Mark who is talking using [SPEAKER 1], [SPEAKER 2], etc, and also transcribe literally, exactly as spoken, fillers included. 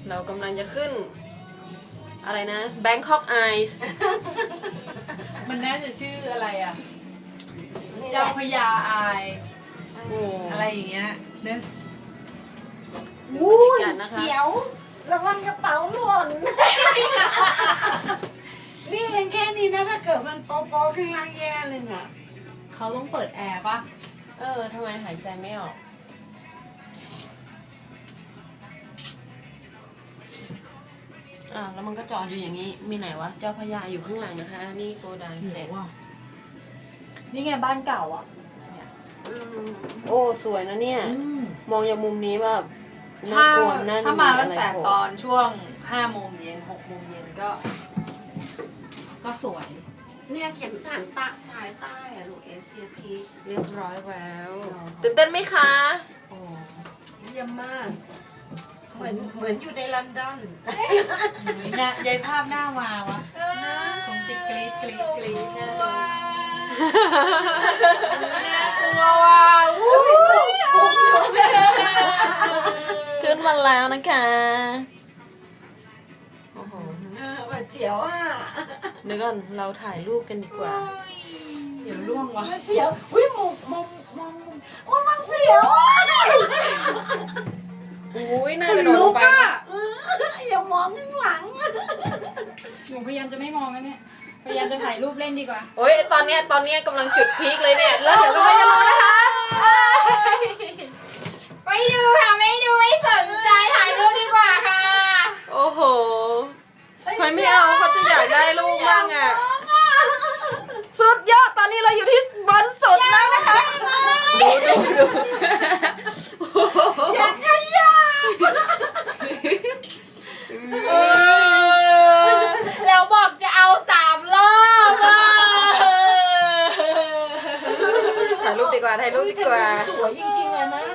[SPEAKER 1] เรากำลังจะขึ้นอะไรนะ Bangkok Eyes
[SPEAKER 2] มันน่าจะชื่ออะไรอ่ะ เจ้าพญาอาย
[SPEAKER 1] โอ้
[SPEAKER 2] อะไรอย่างเงี้ยเนอะ
[SPEAKER 1] ดูบรรยากาศนะคะ
[SPEAKER 3] เสียวระวังกระเป๋าหล่น นี่ยังแค่นี้นะถ้าเกิดมันปอปอข้างล่างแย่เลยน่ะ
[SPEAKER 2] เขาต้องเปิดแอร์ปะ
[SPEAKER 1] เออทำไมหายใจไม่ออกอ่าแล้วมันก็จอดอยู่อย่างนี้ มีไหนวะ เจ้าพญาอยู่ข้างหลังนะคะ นี่โกดังเจ็ด
[SPEAKER 2] นี่ไงบ้านเก่าอ่ะเนี่ย
[SPEAKER 1] โอ้สวยนะเนี่ย
[SPEAKER 2] อืม
[SPEAKER 1] มองจากมุมนี้แบบน่า
[SPEAKER 2] ถ้าก
[SPEAKER 1] ลัวน่า
[SPEAKER 2] ถ้ามา
[SPEAKER 1] อะ
[SPEAKER 2] ตั้ง
[SPEAKER 1] ไร
[SPEAKER 2] แต่
[SPEAKER 1] โผล่
[SPEAKER 2] ตอนช่วงห้าโมงเย็นหกโมงเย็นก็ ก็สวย
[SPEAKER 3] เนี่ยเขียนฐานตะภายใต้อะลูกเอเชียที
[SPEAKER 1] เรียบร้อยแล้วตื่นเต้นไหมคะ
[SPEAKER 2] โอ้
[SPEAKER 3] เยี่ยมมาก เหมือนเหมือนอยู่ในลอนดอน
[SPEAKER 2] ยเนี่ยยายภาพหน้ามาวะคงจะกรี๊ดกรี๊ดกรี๊ดแน่เลยน่ากลัวว่ะอู้
[SPEAKER 1] ขึ้นมาแล้วนะคะโอ้โห
[SPEAKER 3] เออว่าเจียวอ่ะ
[SPEAKER 1] เดี๋ยวก่อนเราถ่ายรูปกันดีกว่า
[SPEAKER 2] เสียวร่วงว่ะ
[SPEAKER 3] ว่าเจียวอุ้ยมองมองมองโอ้ยมันเสียวอ่ะ
[SPEAKER 1] อุ้ยน่ากระโดดลงไป
[SPEAKER 3] เอออย่ามองข้างหลังอะ
[SPEAKER 4] หนูพยายามจะไม่มองนะเนี่ย พยายามจะถ่ายรูปเล่นดีกว่า
[SPEAKER 1] โอ้ยตอนเนี้ยตอนเนี้ยกำลังจุดพีคเลยเนี่ย แล้วเดี๋ยวก็ไม่จะรู้นะคะ
[SPEAKER 4] ไปดูค่ะไม่ดูไม่สนใจถ่ายรูปดีกว่าค่ะ
[SPEAKER 1] โอ้โหใครไม่เอาเขาจะอยากได้รูปบ้างอ่ะ สุดยอดตอนนี้เราอยู่ที่บนสุดแล้วนะคะ ดูดูดู
[SPEAKER 3] อย่าขยับ
[SPEAKER 4] เออแล้วบอกจะเอาสามรอบอ่ะ
[SPEAKER 1] ถ่ายรูปดีกว่าถ่ายรูปดีกว่า
[SPEAKER 3] สวยจริงๆเลยนะ